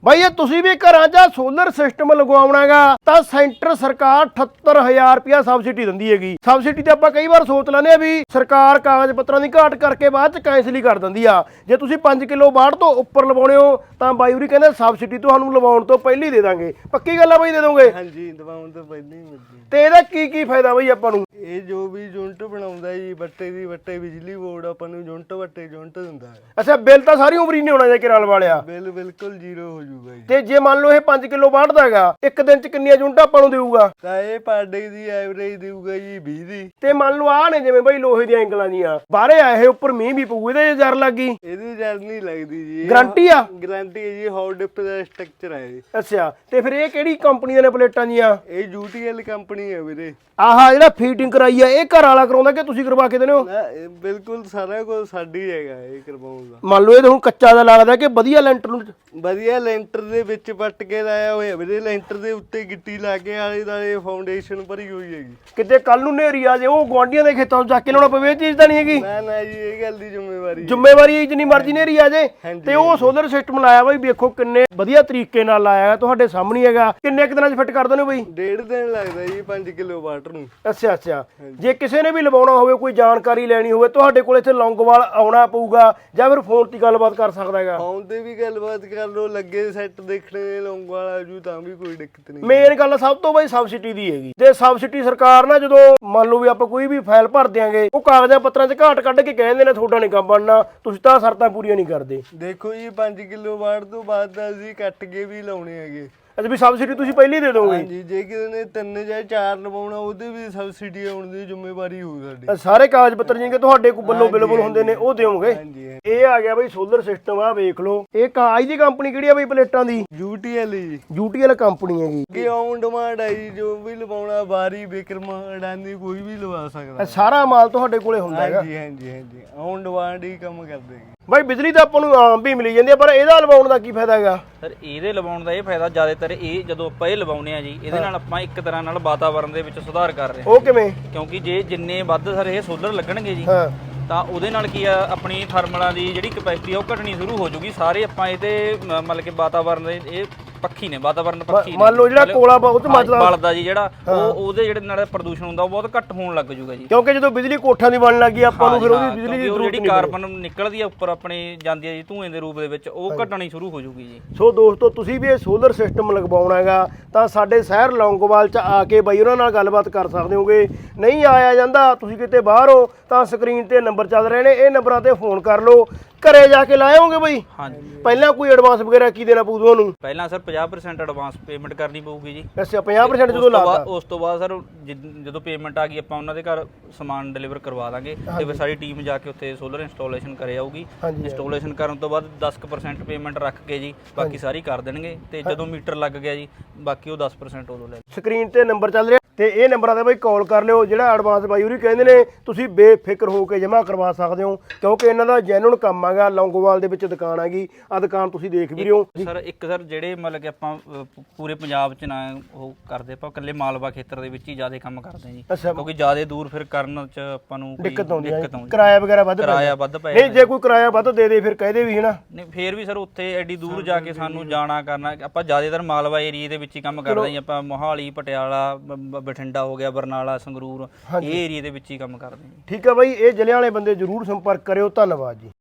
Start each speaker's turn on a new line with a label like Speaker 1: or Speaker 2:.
Speaker 1: ਬਾਈ ਇਹ ਤੁਸੀਂ ਵੀ ਘਰਾਂ 'ਚ ਸੋਲਰ ਸਿਸਟਮ ਲਗਵਾਉਣਾਗਾ ਤਾਂ ਸੈਂਟਰ ਸਰਕਾਰ 78000 ਰੁਪਇਆ ਸਬਸਿਡੀ ਦਿੰਦੀ ਹੈਗੀ। ਸਬਸਿਡੀ ਤੇ ਆਪਾਂ ਕਈ ਵਾਰ ਸੋਚ ਲੈਂਦੇ ਆ ਵੀ ਸਰਕਾਰ ਕਾਗਜ਼ ਪੱਤਰਾਂ ਦੀ ਘਾਟ ਕਰਕੇ ਬਾਅਦ 'ਚ ਕੈਂਸਲ ਹੀ ਕਰ ਦਿੰਦੀ ਆ। ਜੇ ਤੁਸੀਂ 5 ਕਿਲੋ ਵਾਟ ਤੋਂ ਉੱਪਰ ਲਵਾਉਣੇ ਹੋ ਤਾਂ ਬਾਈ ਹੋਰੀ ਕਹਿੰਦੇ ਸਬਸਿਡੀ ਤੁਹਾਨੂੰ ਲਵਾਉਣ ਤੋਂ ਪਹਿਲਾਂ ਹੀ ਦੇ ਦਾਂਗੇ। ਪੱਕੀ ਗੱਲ ਆ ਬਾਈ, ਦੇ ਦੋਗੇ?
Speaker 2: ਹਾਂਜੀ, ਲਵਾਉਣ ਤੋਂ ਪਹਿਲਾਂ ਹੀ ਮਿਲਦੀ।
Speaker 1: ਤੇ ਇਹਦਾ ਕੀ ਫਾਇਦਾ ਬਾਈ ਆਪਾਂ ਨੂੰ?
Speaker 2: ਇਹ ਜੋ ਵੀ ਯੂਨਿਟ ਬਣਾਉਂਦਾ ਜੀ ਵੱਟੇ ਬਿਜਲੀ ਬੋਰਡ ਆਪਾਂ ਨੂੰ ਯੂਨਿਟ ਦਿੰਦਾ ਹੈ।
Speaker 1: ਅੱਛਾ, ਬਿੱਲ ਤਾਂ ਸਾਰੀ ਉਮਰ ਹੀ ਨਹੀਂ ਹੋਣਾ ਜੇ ਕਿਰਾਲ ਵਾਲਿਆ।
Speaker 2: ਬਿੱਲ ਬਿਲਕੁਲ ਜ਼ੀਰੋ ਹੋ ਜਾਊਗਾ ਜੀ।
Speaker 1: ਤੇ ਜੇ ਮੰਨ ਲਓ ਇਹ 5 ਕਿਲੋ ਵਾਟ ਦਾ ਹੈਗਾ, ਇੱਕ ਦਿਨ 'ਚ ਕਿੰਨੀਆਂ ਯੂਨਿਟਾਂ ਆਪਾਂ ਨੂੰ ਦੇਊਗਾ?
Speaker 2: ਤਾਂ ਇਹ ਪਰ ਡੇ ਦੀ ਐਵਰੇਜ ਦੇਊਗਾ ਜੀ 20 ਦੀ।
Speaker 1: ਤੇ ਮੰਨ ਲਓ ਆਹ ਨੇ ਜਿਵੇਂ ਬਾਈ ਲੋਹੇ ਦੀਆਂ ਐਂਗਲਾਂ ਦੀਆਂ, ਬਾਹਰੇ ਆਏ ਉੱਪਰ ਮੀਂਹ ਵੀ ਪਊ, ਇਹਦੇ ਜ਼ਰ ਲੱਗ ਗਈ,
Speaker 2: ਇਹਦੀ ਜਰ ਨਹੀਂ ਲੱਗਦੀ ਜੀ।
Speaker 1: ਗਾਰੰਟੀ ਆ?
Speaker 2: ਗਾਰੰਟੀ ਹੈ ਜੀ, ਹੌਟ ਡਿਪ ਦਾ ਸਟਰਕਚਰ ਹੈ ਜੀ।
Speaker 1: ਅੱਛਾ, ਤੇ ਫਿਰ ਇਹ ਕਿਹੜੀ ਕੰਪਨੀ ਦੇ ਨੇ ਪਲੇਟਾਂ ਦੀਆਂ?
Speaker 2: ਇਹ UTL ਕੰਪਨੀ ਹੈ ਵੀਰੇ।
Speaker 1: ਆਹ ਜਿਹੜਾ ਫੀਟਿੰਗ ਕਰਾਈ ਆ ਇਹ ਘਰ ਵਾਲਾ ਕਰਾਉਂਦਾ ਕਿ ਤੁਸੀਂ ਕਰਵਾ ਕੇ ਦਿੰਦੇ ਹੋ?
Speaker 2: ਇਹ ਬਿਲਕੁਲ ਸਾਰਾ ਕੁਝ ਸਾਡੀ ਹੈਗਾ ਇਹ ਕਰਵਾਉਂਦਾ।
Speaker 1: ਮੰਨ ਲਓ ਇਹ ਤਾਂ ਹੁਣ ਕੱਚਾ ਦਾ ਲੱਗਦਾ ਕਿ ਵਧੀਆ ਲੈਂਟਰ ਨੂੰ
Speaker 2: ਵਧੀਆ ਲੈਂਟਰ ਦੇ ਵਿੱਚ ਪੱਟ ਕੇ ਲਾਇਆ ਹੋਇਆ ਵੀਰੇ। ਲੈਂਟਰ ਦੇ ਉੱਤੇ ਗਿੱਟੀ ਲਾ ਕੇ ਆਲੇ ਦੁਆਲੇ ਫਾਊਂਡੇਸ਼ਨ ਭਰੀ ਹੋਈ ਹੈਗੀ।
Speaker 1: ਕਿਤੇ ਕੱਲ ਨੂੰ ਨੇਰੀ ਆ ਜੇ ਉਹ ਗੁਆਂਢੀਆਂ ਦੇ ਖੇਤਾਂ ਤੋਂ ਚੱਕ ਕੇ ਲਾਉਣਾ ਪਵੇ, ਇਹ ਚੀਜ਼ ਤਾਂ ਨਹੀਂ ਹੈਗੀ।
Speaker 2: ਨਾ ਜੀ, ਇਹ ਗੱਲ ਦੀ ਜ਼ਿੰਮੇਵਾਰੀ
Speaker 1: ਜ਼ਿੰਮੇਵਾਰੀ ਜਿੰਨੀ ਮਰਜ਼ੀ ਨੇਰੀ ਆ ਜੇ। ਤੇ ਉਹ ਸੋਲਰ ਸਿਸਟਮ ਲਾਇਆ ਬਾਈ, ਵੇਖੋ ਕਿੰਨੇ ਵਧੀਆ ਤਰੀਕੇ ਨਾਲ ਲਾਇਆ, ਤੁਹਾਡੇ ਸਾਹਮਣੇ ਹੈਗਾ। ਕਿੰਨੇ ਕੁ ਦਿਨਾਂ 'ਚ ਫਿੱਟ ਕਰ ਦਿੰਦੇ ਹੋ ਬਾਈ?
Speaker 2: 1.5 ਦਿਨ ਲੱਗਦਾ ਜੀ 5 ਕਿਲੋ ਵਾਟ ਨੂੰ।
Speaker 1: ਅੱਛਾ, ਜੇ ਕਿਸੇ ਨੇ ਵੀ ਲਵਾਉਣਾ ਹੋਵੇ, ਕੋਈ ਜਾਣਕਾਰੀ ਲੈਣੀ ਹੋਵੇ, ਤੁਹਾਡੇ ਕੋਲ ਇੱਥੇ ਲੌਂਗੋਵਾਲ ਆਉਣਾ ਪਊਗਾ ਜਾਂ ਫਿਰ ਫੋਨ ਤੇ ਗੱਲਬਾਤ ਕਰ ਸਕਦਾ ਹੈਗਾ?
Speaker 2: ਫੋਨ ਤੇ ਵੀ ਗੱਲਬਾਤ ਕਰ ਲਓ, ਲੱਗੇ ਸੈੱਟ ਦੇਖਣੇ ਲੌਂਗੋਵਾਲ ਆਜੂ ਤਾਂ ਵੀ ਕੋਈ ਦਿੱਕਤ ਨਹੀਂ।
Speaker 1: ਮੇਨ ਗੱਲ ਸਭ ਤੋਂ ਬਾਈ ਸਬਸਿਡੀ ਦੀ ਹੈਗੀ। ਤੇ ਸਬਸਿਡੀ ਸਰਕਾਰ ਨਾ ਜਦੋਂ ਮੰਨ ਲਓ ਵੀ ਆਪਾਂ ਕੋਈ ਵੀ ਫਾਈਲ ਭਰ ਦਿਆਂਗੇ, ਉਹ ਕਾਗਜ਼ਾਂ ਪੱਤਰਾਂ 'ਚ ਘਾਟ ਕੱਢ ਕੇ ਕਹਿੰਦੇ ਨੇ ਤੁਹਾਡਾ ਨਹੀਂ ਕੰਮ ਬਣਨਾ, ਤੁਸੀਂ ਤਾਂ ਸ਼ਰਤਾਂ ਪੂਰੀਆਂ ਨਹੀਂ ਕਰਦੇ।
Speaker 2: ਦੇਖੋ ਜੀ 5 ਕਿਲੋ ਵਾਟ ਤੋਂ ਬਾਅਦ ਤਾਂ ਅਸੀਂ ਕੱਟ ਕੇ ਵੀ ਲਾਉਣੇ ਹੈਗੇ।
Speaker 1: ਅੱਛਾ, ਵੀ ਸਬਸਿਡੀ ਤੁਸੀਂ ਪਹਿਲਾਂ ਹੀ ਦੇ ਦੋਗੇ?
Speaker 2: ਹਾਂਜੀ, ਜੇ ਕਿਸੇ ਨੇ 3 ਜਾਂ 4 ਲਵਾਉਣਾ ਉਹਦੇ ਵੀ ਸਬਸਿਡੀ ਆਉਣ ਦੀ ਜ਼ਿੰਮੇਵਾਰੀ ਹੋਊ ਸਾਡੀ।
Speaker 1: ਸਾਰੇ ਕਾਗਜ਼ ਪੱਤਰ ਜਿੰਨੇ ਤੁਹਾਡੇ ਕੋਲ ਵੱਲੋਂ ਬਿਲਕੁਲ ਹੁੰਦੇ ਨੇ ਉਹ ਦਿਓਗੇ?
Speaker 2: ਹਾਂਜੀ।
Speaker 1: ਇਹ ਆ ਗਿਆ ਬਈ ਸੋਲਰ ਸਿਸਟਮ, ਆ ਵੇਖ ਲਓ। ਇਹ ਕਾਜ ਦੀ ਕੰਪਨੀ ਕਿਹੜੀ ਆ ਬਈ ਪਲੇਟਾਂ ਦੀ?
Speaker 2: UTL ਜੀ।
Speaker 1: UTL ਕੰਪਨੀ ਹੈਗੀ।
Speaker 2: ਕਿ ਔਨ ਡਿਮਾਂਡ ਹੈ ਜੀ, ਜੋ ਵੀ ਲਵਾਉਣਾ ਬਾਰੀ ਵਿਕਰਮ ਅਡਾਨੀ ਕੋਈ ਵੀ ਲਵਾ ਸਕਦਾ।
Speaker 1: ਸਾਰਾ ਮਾਲ ਤੁਹਾਡੇ ਕੋਲੇ ਹੁੰਦਾ ਹੈਗਾ?
Speaker 2: ਹਾਂਜੀ, ਔਨ ਡਿਮਾਂਡ ਹੀ ਕੰਮ ਕਰਦੇ ਜੀ।
Speaker 1: ਬਾਈ ਬਿਜਲੀ ਤਾਂ ਆਪਾਂ ਨੂੰ ਆਮ ਵੀ ਮਿਲੀ ਜਾਂਦੀ ਹੈ, ਪਰ ਇਹਦਾ ਲਵਾਉਣ ਦਾ ਕੀ ਫਾਇਦਾ ਹੈਗਾ?
Speaker 3: ਸਰ ਇਹਦੇ ਲਵਾਉਣ ਦਾ ਇਹ ਫਾਇਦਾ ਜ਼ਿਆਦਾਤਰ ਇਹ ਜਦੋਂ ਆਪਾਂ ਇਹ ਲਵਾਉਨੇ ਆ ਜੀ, ਇਹਦੇ ਨਾਲ ਆਪਾਂ ਇੱਕ ਤਰ੍ਹਾਂ ਨਾਲ ਵਾਤਾਵਰਣ ਦੇ ਵਿੱਚ ਸੁਧਾਰ ਕਰ ਰਹੇ ਹਾਂ।
Speaker 1: ਉਹ ਕਿਵੇਂ?
Speaker 3: ਕਿਉਂਕਿ ਜੇ ਜਿੰਨੇ ਵੱਧ ਸਰ ਇਹ ਸੋਲਰ ਲੱਗਣਗੇ ਜੀ,
Speaker 1: ਹਾਂ,
Speaker 3: ਤਾਂ ਉਹਦੇ ਨਾਲ ਕੀ ਆ, ਆਪਣੀ ਥਰਮਲਾਂ ਦੀ ਜਿਹੜੀ ਕਪੈਸਿਟੀ ਆ ਉਹ ਘਟਣੀ ਸ਼ੁਰੂ ਹੋ ਜੂਗੀ। ਸਾਰੇ ਆਪਾਂ ਇਹਦੇ ਮਤਲਬ ਕਿ ਵਾਤਾਵਰਣ ਦੇ ਇਹ ਪੱਖੀ ਨੇ, ਵਾਤਾਵਰਣ ਪੱਖੀ ਨੇ।
Speaker 1: ਮੰਨ ਲਓ ਜਿਹੜਾ ਕੋਲਾ ਬਹੁਤ ਮੱਚਦਾ
Speaker 3: ਬਲਦਾ ਜੀ, ਜਿਹੜਾ ਉਹਦੇ ਜਿਹੜੇ ਨਾਲ ਪ੍ਰਦੂਸ਼ਣ ਹੁੰਦਾ ਉਹ ਬਹੁਤ ਘੱਟ ਹੋਣ ਲੱਗ ਜੂਗਾ ਜੀ।
Speaker 1: ਕਿਉਂਕਿ ਜਦੋਂ ਬਿਜਲੀ ਕੋਠਾਂ ਦੀ ਬਣਨ ਲੱਗੀ ਆਪਾਂ ਨੂੰ ਫਿਰ ਉਹਦੀ ਬਿਜਲੀ ਦੀ ਜ਼ਰੂਰਤ
Speaker 3: ਜਿਹੜੀ ਕਾਰਬਨ ਨਿਕਲਦੀ ਆ ਉੱਪਰ ਆਪਣੇ ਜਾਂਦੀ ਆ ਜੀ ਧੂਏ ਦੇ ਰੂਪ ਦੇ ਵਿੱਚ, ਉਹ ਘਟਣੀ ਸ਼ੁਰੂ ਹੋ ਜੂਗੀ ਜੀ।
Speaker 1: ਸੋ ਦੋਸਤੋ, ਤੁਸੀਂ ਵੀ ਇਹ ਸੋਲਰ ਸਿਸਟਮ ਲਗਵਾਉਣਾ ਹੈਗਾ ਤਾਂ ਸਾਡੇ ਸ਼ਹਿਰ ਲੌਂਗੋਵਾਲ 'ਚ ਆ ਕੇ ਬਾਈ ਉਹਨਾਂ ਨਾਲ ਗੱਲਬਾਤ ਕਰ ਸਕਦੇ ਹੋਗੇ। ਨਹੀਂ ਆਇਆ ਜਾਂਦਾ, ਤੁਸੀਂ ਕਿਤੇ ਬਾਹਰ ਹੋ ਤਾਂ ਸਕਰੀਨ ਤੇ ਨੰਬਰ ਚੱਲ ਰਹੇ ਨੇ, ਇਹ ਨੰਬਰਾਂ ਤੇ ਫੋਨ ਕਰ ਲਓ। ਘਰੇ ਜਾ ਕੇ ਲਾਇਓਗੇ ਬਈ?
Speaker 3: ਹਾਂਜੀ।
Speaker 1: ਪਹਿਲਾਂ ਕੋਈ ਐਡਵਾਂਸ ਵਗੈਰਾ ਕੀ ਦੇਣਾ ਪਊ ਤੁਹਾਨੂੰ?
Speaker 3: ਪਹਿਲਾਂ ਸਰ 50% ਐਡਵਾਂਸ ਪੇਮੈਂਟ ਕਰਨੀ ਪਊਗੀ ਜੀ।
Speaker 1: ਅੱਛਾ, 50% ਜਦੋਂ ਲਾਤਾ?
Speaker 3: ਉਸ ਤੋਂ ਬਾਅਦ ਸਰ ਜਦੋਂ ਪੇਮੈਂਟ ਆ ਗਈ, ਆਪਾਂ ਉਹਨਾਂ ਦੇ ਘਰ ਸਮਾਨ ਡਿਲੀਵਰ ਕਰਵਾ ਦਾਂਗੇ ਤੇ ਫਿਰ ਸਾਡੀ ਟੀਮ ਜਾ ਕੇ ਉੱਥੇ ਸੋਲਰ ਇੰਸਟਾਲੇਸ਼ਨ ਕਰੇ ਆਊਗੀ। ਇੰਸਟਾਲੇਸ਼ਨ ਕਰਨ ਤੋਂ ਬਾਅਦ 10% ਪੇਮੈਂਟ ਰੱਖ ਕੇ ਜੀ ਬਾਕੀ ਸਾਰੀ ਕਰ ਦੇਣਗੇ, ਤੇ ਜਦੋਂ ਮੀਟਰ ਲੱਗ ਗਿਆ ਜੀ ਬਾਕੀ ਉਹ 10% ਉਦੋਂ ਲੈ।
Speaker 1: ਸਕਰੀਨ ਤੇ ਨੰਬਰ ਚੱਲ ਰਿਹਾ ਤੇ ਇਹ ਨੰਬਰਾਂ ਤੇ ਬਈ ਕਾਲ ਕਰ ਲਿਓ। ਜਿਹੜਾ ਐਡਵਾਂਸ ਬਾਈ ਹੋਰੀ ਕਹਿੰਦੇ ਨੇ ਤੁਸੀਂ ਬੇਫਿਕਰ ਹੋ ਕੇ ਜਮ੍ਹਾਂ ਕਰਵਾ ਸਕਦੇ ਹੋ, ਕਿਉਂਕਿ ਇਹਨਾਂ ਦਾ ਜੈਨੂਨ ਕੰਮ ਹੈਗਾ। ਲੌਂਗੋਵਾਲ ਦੇ ਵਿੱਚ ਦੁਕਾਨ ਹੈਗੀ, ਆ ਦੁਕਾਨ ਤੁਸੀਂ ਦੇਖ ਵੀ ਰਹੇ ਹੋ
Speaker 3: ਸਰ। ਸਰ ਜਿਹੜੇ ਮਤਲਬ ਕਿ ਆਪਾਂ ਪੂਰੇ ਪੰਜਾਬ 'ਚ ਨਾ ਉਹ ਕਰਦੇ, ਆਪਾਂ ਇਕੱਲੇ ਮਾਲਵਾ ਖੇਤਰ ਦੇ ਵਿੱਚ ਹੀ ਜ਼ਿਆਦਾ ਕੰਮ ਕਰਦੇ ਹਾਂ ਜੀ, ਕਿਉਂਕਿ ਜ਼ਿਆਦਾ ਦੂਰ ਫਿਰ ਕਰਨ 'ਚ ਆਪਾਂ ਨੂੰ
Speaker 1: ਦਿੱਕਤ ਆਉਂਦੀ ਹੈ। ਕਿਰਾਇਆ ਵਗੈਰਾ ਵੱਧ
Speaker 3: ਪੈ
Speaker 1: ਨਹੀਂ, ਜੇ ਕੋਈ ਕਿਰਾਇਆ ਵੱਧ ਦੇ ਦੇ ਫਿਰ ਕਹਦੇ ਵੀ ਹਨਾ।
Speaker 3: ਨਹੀਂ, ਫੇਰ ਵੀ ਸਰ ਉੱਥੇ ਐਡੀ ਦੂਰ ਜਾ ਕੇ ਸਾਨੂੰ ਜਾਣਾ ਕਰਨਾ। ਆਪਾਂ ਜ਼ਿਆਦਾਤਰ ਮਾਲਵਾ ਏਰੀਏ ਦੇ ਵਿੱਚ ਹੀ ਕੰਮ ਕਰਦੇ ਹਾਂ। ਆਪਾਂ ਮੋਹਾਲੀ, ਪਟਿਆਲਾ, ਬਠਿੰਡਾ ਹੋ ਗਿਆ, ਬਰਨਾਲਾ, ਸੰਗਰੂਰ, ਇਹ ਏਰੀਏ ਦੇ ਵਿੱਚ ਹੀ ਕੰਮ ਕਰਦੇ ਹਾਂ।
Speaker 1: ਠੀਕ ਹੈ ਬਾਈ, ਇਹ ਜ਼ਿਲ੍ਹਿਆਂ ਵਾਲੇ ਬੰਦੇ ਜ਼ਰੂਰ ਸੰਪਰਕ ਕਰਿਓ। ਧੰਨਵਾਦ ਜੀ।